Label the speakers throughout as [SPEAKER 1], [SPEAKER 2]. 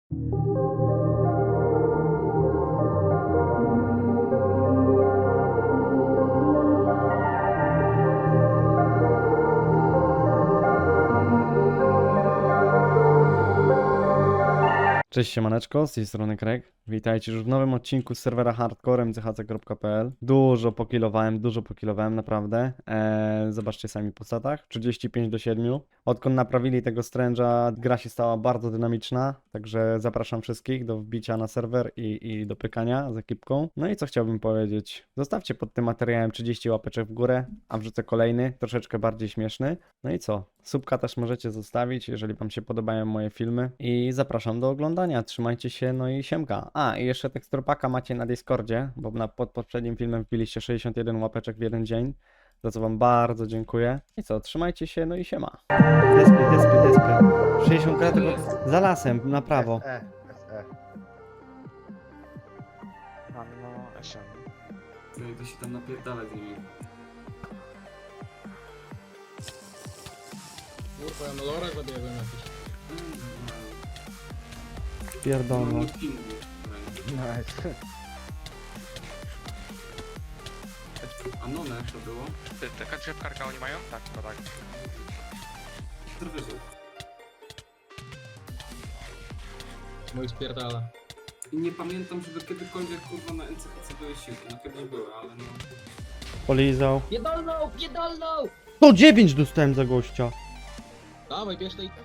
[SPEAKER 1] Cześć siemaneczko, z tej strony Craig. Witajcie już w nowym odcinku z serwera hardcorem chc.pl. Dużo pokilowałem naprawdę. Zobaczcie sami po statach. 35-7. Odkąd naprawili tego Strange'a, gra się stała bardzo dynamiczna, także zapraszam wszystkich do wbicia na serwer i do pykania z ekipką. No i co chciałbym powiedzieć? Zostawcie pod tym materiałem 30 łapeczek w górę, a wrzucę kolejny, troszeczkę bardziej śmieszny. No i co? Subka też możecie zostawić, jeżeli wam się podobają moje filmy. I zapraszam do oglądania. Trzymajcie się, no i siemka. A, i jeszcze teksturpaka macie na Discordzie, bo pod poprzednim filmem wbiliście 61 łapeczek w jeden dzień, za co wam bardzo dziękuję. I co, trzymajcie się, no i siema. Despy. 60 kratek za lasem, na prawo.
[SPEAKER 2] SE.
[SPEAKER 3] No, SM.
[SPEAKER 4] No i to się tam napierdala z nimi.
[SPEAKER 5] Kurwa, ja na lorach zabiegłem jakiś.
[SPEAKER 1] Pierdolno.
[SPEAKER 2] Nice.
[SPEAKER 4] A None to było?
[SPEAKER 3] Taka drzewkarka oni mają? Tak, no tak.
[SPEAKER 4] Drwyżej.
[SPEAKER 5] Mój spierdala.
[SPEAKER 4] I nie pamiętam, żeby kiedykolwiek kurwa na NCPC były siłki. No kiedyś były, ale no...
[SPEAKER 1] Polizał.
[SPEAKER 5] Pierdolną!
[SPEAKER 1] 109 dostałem za gościa.
[SPEAKER 5] Dawaj, bierz tej...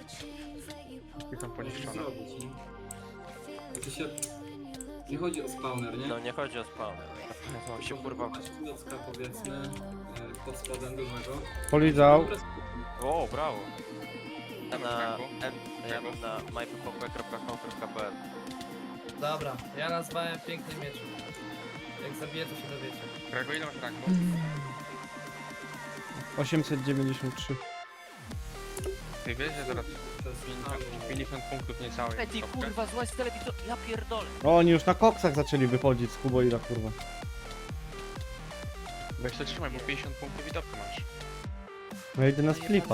[SPEAKER 3] I są poniszczone.
[SPEAKER 4] Zrobić, nie? To się... Nie chodzi o spawner, nie?
[SPEAKER 6] No nie chodzi o spawner.
[SPEAKER 3] No, się kurwa.
[SPEAKER 4] Masz klocka, powiedzmy, pod spodem dużego.
[SPEAKER 1] Polizał.
[SPEAKER 6] O, brawo. Ja na myppopek.com.pl.
[SPEAKER 7] Dobra, ja nazwałem piękny miecz. Jak zabiję, to się dowiecie.
[SPEAKER 3] Grego, ile masz ranku?
[SPEAKER 1] 893.
[SPEAKER 3] Ty wiesz, że zaraz 50 punktów niecałych.
[SPEAKER 6] Ej, ty kurwa, złaź z telewizor, ja pierdolę.
[SPEAKER 1] O, oni już na koksach zaczęli wychodzić z Kuboida, kurwa.
[SPEAKER 3] Weź to trzymaj, bo 50 punktów i topkę masz.
[SPEAKER 1] Ja idę na sklipa.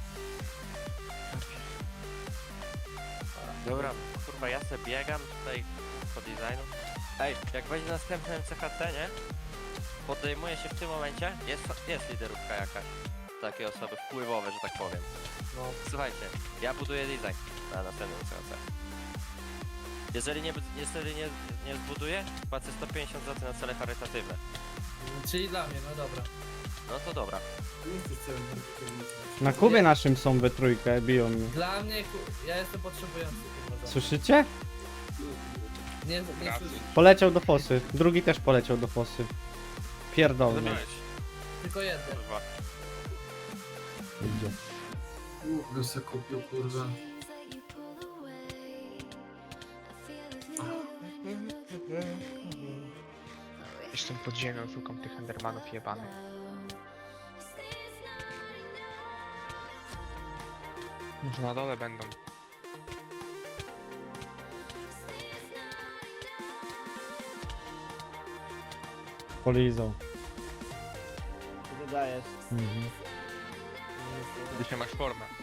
[SPEAKER 6] Dobra, kurwa, ja se biegam tutaj po designu. Ej, jak będzie następny MCHC, nie? Podejmuje się w tym momencie, jest liderówka jakaś. Takie osoby wpływowe, że tak powiem. No, słuchajcie, ja buduję design na następnym MCHC. Jeżeli nie zbuduję, płacę 150 zł na cele charytatywne.
[SPEAKER 7] Czyli dla mnie, no dobra.
[SPEAKER 6] No to dobra.
[SPEAKER 4] Nie jesteś celem charytatywnym.
[SPEAKER 1] Na Kubie naszym są we trójkę, biją mnie.
[SPEAKER 7] Dla mnie, ja jestem potrzebujący. Kurwa,
[SPEAKER 1] Słyszycie?
[SPEAKER 7] nie słyszę.
[SPEAKER 1] Poleciał do fosy. Drugi też poleciał do fosy. Pierdolny.
[SPEAKER 3] Zabiłeś.
[SPEAKER 7] Tylko jeden.
[SPEAKER 6] Kurwa.
[SPEAKER 1] Idzie.
[SPEAKER 4] Go se kupił, kurwa.
[SPEAKER 3] Jestem pod ziemią, szukam tych endermanów jebanych. Może na dole będą.
[SPEAKER 1] Polizał.
[SPEAKER 2] Co ty dajesz?
[SPEAKER 1] Mhm.
[SPEAKER 3] Dzisiaj masz formę.